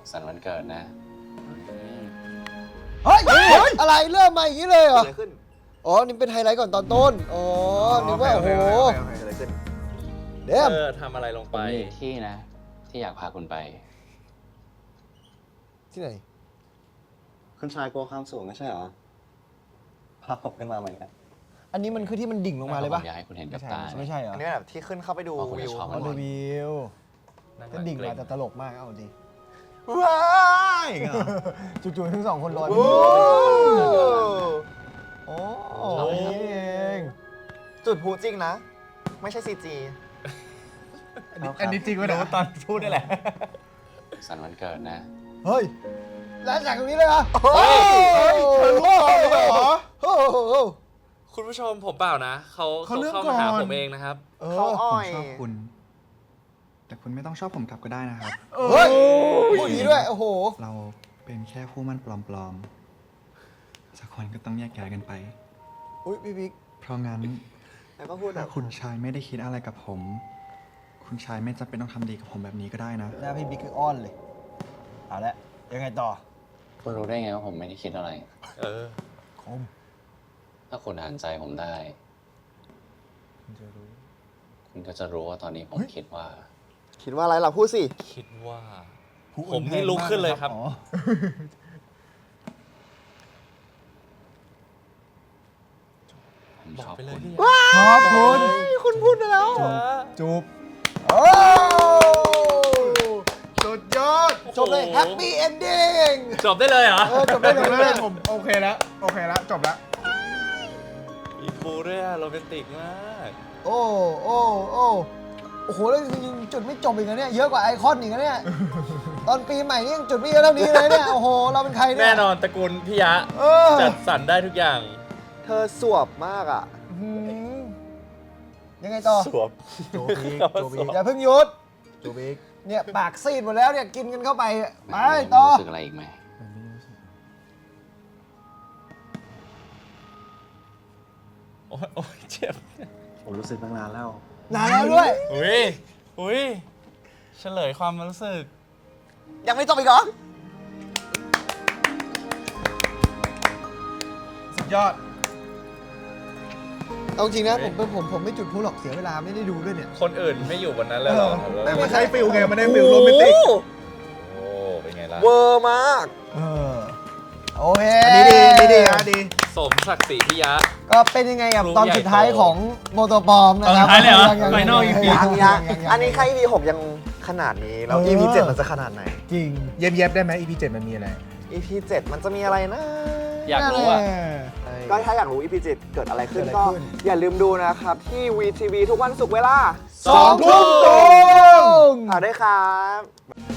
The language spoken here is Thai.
สันวันเกิดนะเฮ้ยอะไรเริ่มมาอย่างนี้เลยเหรออะไรขึ้นอ๋อนี่เป็นไฮไลท์ก่อนตอนต้นอ๋อนึกว่าโอ้โหอะไรขึ้นเดี๋ยวทำอะไรลงผไปมมีที่นะ ที่อยากพาคุณไปที่ไหนคุณชายกลัวความสูงไม่ใช่เหรอพาผมขึ้นมาเหมือนกันอันนี้มันคือที่มันดิ่งลงมาเลยปะผมอยากให้คุณเห็นกับตาไม่ใช่เหรออันนี้แบบที่ขึ้นเข้าไปดูอ๋อคุณวิจะวชอบอ๋อดูวิวนั่งหก็ลังดิ่งเกรมาง แต่ตลกมากเอาดิว้ายเหรอจู่ๆทั้งสองคนลอยโอ้โอ้นี่เองจุดพลุจริงนะ ไม่ใช่ซีจีอันนี้จริงรู้ตอนพูดได้แหละสันวันเกิดนะเฮ้ยแล้วจากตรงนี้เลยเหรอเฮ้ยเธอรู้ก่อนเลยเหรอโอ้โหคุณผู้ชมผมเปล่านะเขาเขาเลือกเข้ามาหาก่อนผมเองนะครับเขาอ้อยชอบคุณ แต่คุณไม่ต้องชอบผมกลับก็ได้นะครับเฮ้ยพูดอย่างนี้ด้วยโอ้โหเราเป็นแค่คู่มั่นปลอมๆ สักคนก็ต้องแยกย้ายกันไปอุ้ยพี่บิ๊กเพราะงั้นแล้วก็พูดแบถ้าบคุณชายไม่ได้คิดอะไรกับผม คุณชายไม่จำเป็นต้องทำดีกับผมแบบนี้ก็ได้นะหน้าพี่บิ๊กคืออ้อนเลยเอาละยังไงต่อคุณรู้ได้ไงว่าผมไม่ได้คิดอะไรเออคมถ้าคุณอ่านใจผมได้ คุณก็จะรู้ว่าตอนนี้ผมคิดว่าคิดว่าอะไรล่ะพูดสิคิดว่า ผมนี่ลุกขึ้นเลยครับอ๋อผมบอชกอบไปเลยคุณพี่ขอบคุณคุณพูดไปแล้วจูบโอ้สุดยอดจบเลยแฮปปี้เอนดิ้งจบได้เลยเหรอจบได้เลยผมโอเคแล้ว โอเคแล้ว จบแล้วมีฟูด้วยอะโรแมนติกมากโอ้โอ้โอ้โอ้โหแล้วจริงๆจุดไม่จบอีกนะเนี่ยเยอะกว่าไอคอนอีกนะเนี่ยตอนปีใหม่นี่ยังจุดไม่เยอะเท่านี้เลยเนี่ยโอ้โหเราเป็นใครเนี่ยแน่นอนตระกูลพี่ยะเออจัดสรรได้ทุกอย่างเธอสวบมากอ่ะหืมยังไงต่อสวบโจบิกคำว่าโจบิสกวบอย่าเพิ่งหยุดโจบิกเนี่ยปากซีดหมดแล้วเนี่ยกินกันเข้าไปไปต่อรู้สึกอะไรอีกไหมโอ้ยโอ้ยเจ็บผมรู้สึกตั้งนานแล้วนานแล้วด้วยอุ้ยอุ้ยเฉลยความรู้สึกยังไม่จบอีกเหรอสุดยอดเอาจริงนะผมไม่จุดพลุหรอกเสียเวลาไม่ได้ดูด้วยเนี่ยคนอื่นไม่อยู่บนนั้นเลยเหรอแต่มันใช้ฟิลไง มันได้ฟิลโรแมนติกโอ้เป็นไงล่ะเวอร์มากโอเคอันนี้ดีนี่ดีนะดีสมศักดิ์ศรีพี่ยะก็เป็นยังไงกับครูตอนใหญ่สุดท้ายโตของโมโตปอมนะครับตอนสุดท้ายเลยเหรอง Final EP ยังอันนี้แค่ EP 6ยังขนาดนี้ แล้ว EP 7มันจะขนาดไหนจริงเย็บๆได้ไหม EP 7 มันมีอะไร EP 7มันจะมีอะไรนะอยากรู้อ่ะก็ถ้าอยากรู้ EP 7เกิดอะไรขึ้นเกิดอะไรก็ขึ้นอย่าลืมดูนะครับ ที่ VTV ทุกวันศุกร์เวลา 2 ทุ่มตรงฝากด้วยครับ